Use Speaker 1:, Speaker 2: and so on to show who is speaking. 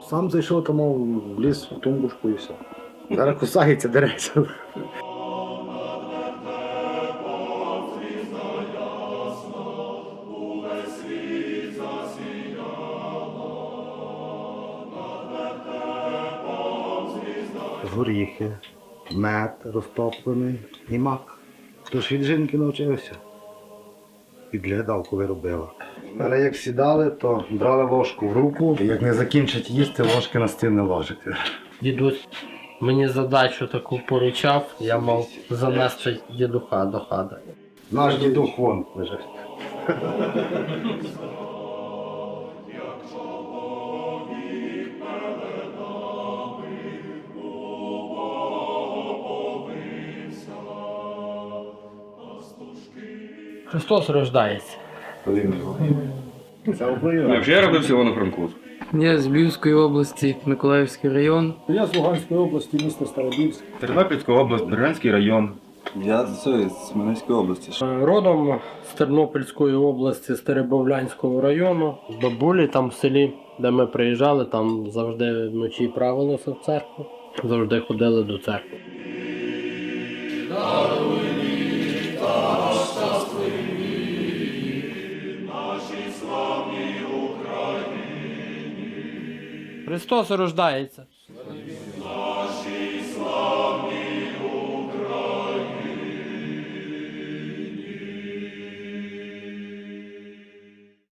Speaker 1: Сам зайшов там в ліс, в тумбушку і все. Зараз кусається, дереться. Горіхи, мед розтоплений і мак. Тож від жінки навчився. Підглядалку виробила. Але як сідали, то брали ложку в руку, і як не закінчать їсти, ложки на стіл не ложити.
Speaker 2: Дідусь мені задачу таку поручав, я мав занести дідуха до хати.
Speaker 1: Наш дідух вон лежить.
Speaker 2: Христос рождається.
Speaker 3: Я родився в Івано-Франковську.
Speaker 4: Я з Львівської області, Миколаївський район.
Speaker 5: Я з Луганської області, місто Старобільськ.
Speaker 3: Тернопільська область, Бердянський район.
Speaker 6: Я з Хмельницької області.
Speaker 2: Родом з Тернопільської області, з Теребовлянського району. З бабулі там в селі, де ми приїжджали, там завжди вночі правилося в церкву. Завжди ходили до церкви. Христос рождається.